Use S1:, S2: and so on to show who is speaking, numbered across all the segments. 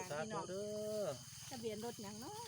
S1: างพี่น้องทะเบียนรถอย่างเนาะ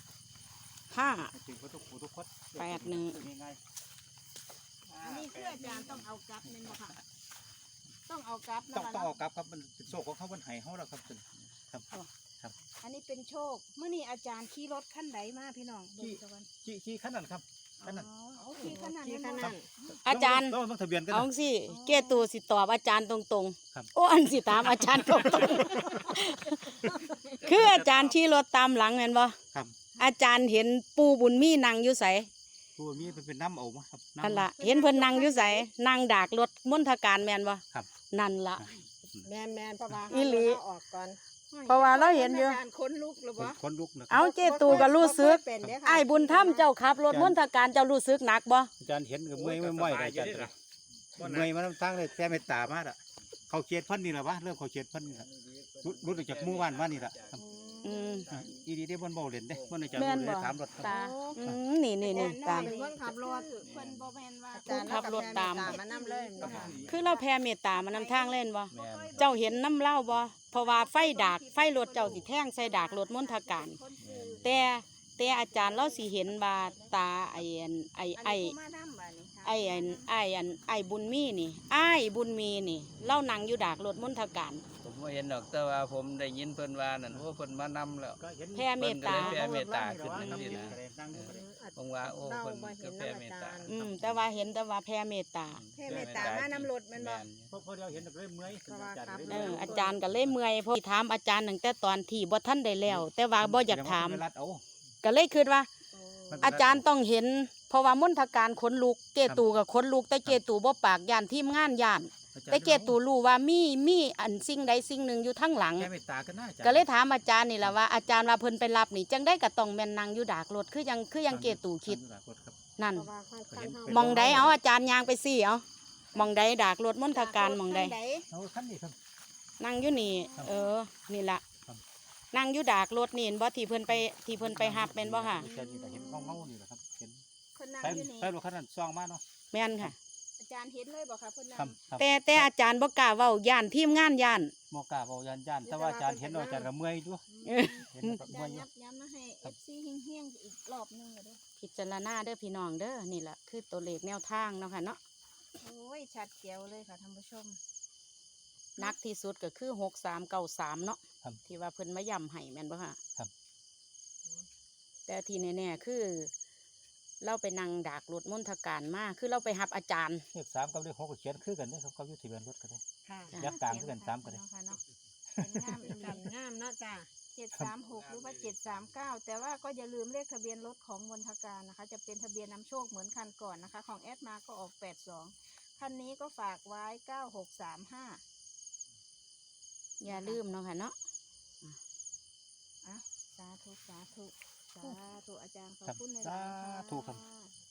S1: อันนี้คืออาจารย์ต้องเอากลับเป็นบ่ค่ะต้องเอากลับ
S2: ต้องเอากลับครับมันโชคของเขาบนไห้เขาแล้วครับครับ
S1: อันนี้เป็นโชคเมื่อนี้อาจารย์ขี่รถขั้นไหนมาพี่น้อง
S2: ขี่ขั้นนั้นครับขั้นนั้น
S1: ขี่ขั้นนั้น
S3: อาจารย์
S2: ต้องทะเบียนกัน
S3: เอาสิเกตูสิตอบอาจารย์ตรงๆโอ้อันสิตามอาจารย์ตรงๆคืออาจารย์ขี่รถตามหลังเห็นบ่
S2: ครับ
S3: อาจารย์เห็นปู่บุญมีนั่งอยู่ไส
S2: ปู่มีเป็นน้ำเอาครับ
S3: นั่นล่ะเห็นเพิ่นนั่งอยู่ไสนั่งดากรถมณฑการแม่นบ่
S2: ครับ
S3: นั่นล่ะ
S1: แม่นเพราะว่า
S3: อีหลี
S1: ออกก่อน
S3: เพราะว่าเราเห็นอยู่
S1: คนลุกหรือบ่
S2: คนลุกนะ
S3: เอาเจตูก็รู้สึกไอ้บุญธรรมเจ้าขับรถมณฑการเจ้ารู้สึกหนักบ่
S2: อาจารย์เห็นกับเมื่อยไม่อาจารย์เมื่อยมาตั้งเลยแค่ไม่ตามาอ่ะเขาเขียนพันนี่แหละวะเริ่มเขาเขียนพันนี่แหละรุดออกจากหมู่บ้านมานี่แหละอีดีได้บนเบาเล่นได้บนอาจารย์ได้ถามรถ
S3: ตานี่
S1: ตามเป็นคนขับรถเพิ่นบ่แม่นว่า
S3: ผู้ขับรถตาม
S1: มานำเลย
S3: คือเราแผ่เมตตามานำทางเล่นบ่เจ้าเห็นน้ำเล่าบ่เพราะว่าไฟรถเจ้าสิแท่งใส่ดากรถมณฑการแต่อาจารย์เราสิเห็นว่าตาไอ้บุญมีนี่ไอ้บุญมีนี่เล่านั่งอยู่ดากรถมณฑการ
S4: ผมบ่เห็นดอกแต่ว่าผมได้ยินเพิ่นว่านั่นโอ้เพิ่นมานำแล้ว
S3: แผ่เมตตา
S4: แผ่เมตตาขึ้นจังซี่นะผมว่าโอ้เพิ่นก็แผ่เมตตา
S3: แต่ว่าเห็นแต่ว่าแผ่เมตตา
S1: มานำรถแม่นบ่
S2: พอเดียวเห็นเลยเมื่อย
S3: อาจารย์ก็เลยเมื่อยเพราะถามอาจารย์ตั้งแต่ตอนที่บ่ทันได้แล้วแต่ว่าบ่อยากถามก็เลยคิดว่าอาจารย์ต้องเห็นเพราะว่ามณฑการขนลุกเกตูกับขนลุกแต่เกตูบ่ปากย่านทีมงานย่านแต่เกตูรู้ว่ามีอันสิ่งใดสิ่งหนึ่งอยู่ทั้งหลังก็เลยถามอาจารย์นี่แหละว่าอาจารย์ว่าเพิ่นไปรับนี่จังได้ก็ต้องแม่นนั่งอยู่ดากรถคือยังเกตูคิดนั่นมองใดเอาอาจารย์ยางไปสิเอามองใดดากรถมณฑการมองใดนั่งอยู่นี่นี่ละนั่งอยู่ดากรถนี่เห็นบ่ที่เพิ่นไปหับแม่นบ่ค่ะ
S2: เห็นเงานี่แหละครับเห็น
S1: คนนั่งอยู่นี่
S2: ไปรถคันนั้นซองมาเนาะ
S3: แม่นค่ะ
S1: อาจารย์เห็นเลยบ่ค่ะเพิ่นนั่
S3: งแต่อาจารย์บ่กล้าเว้าย่านทีมงานย่าน
S2: บ่กล้าเว้าย่านแต่ว่าอาจารย์เห็นอาจารย์ก็เมื่อยอยู่
S1: เห็นเมื่อยย้ำมาให้ FC เฮี้ยงๆอีกรอบนึงเด้อ
S3: พิจารณาเด้อพี่น้องเด้อนี่แหละคือตัวเลขแนวทางเนาะค่ะเนาะ
S1: โอ้ยชัดเจียวเลยค่ะท่านผู้ชม
S3: นักที่สุดก็คือ6393เนาะที่ว่าเพิ่นมาย้ำให้แม่นบ่ค่ะ
S2: ครับ
S3: แต่ที่แน่ๆคือเราไปนั่งดากรถมณฑการมาคือเราไปหับอาจารย์
S2: เลข3กับเลข6ก็เขียนคือกันเด้อครับเขาอยู่ทะเบียนรถกันเด้อยักษ์กลางคือกัน3กันเด้
S1: องามเนาะจ้ะ736หรือว่า739แต่ว่าก็อย่าลืมเลขทะเบียนรถของมณฑการนะคะจะเป็นทะเบียนนำโชคเหมือนคันก่อนนะคะของแอดมาก็ออก82คันนี้ก็ฝากไว้9635
S3: อย่าลืมเนาะค่ะเนาะ
S1: สาธุอาจารย์ขอบคุณในร้านค่ะ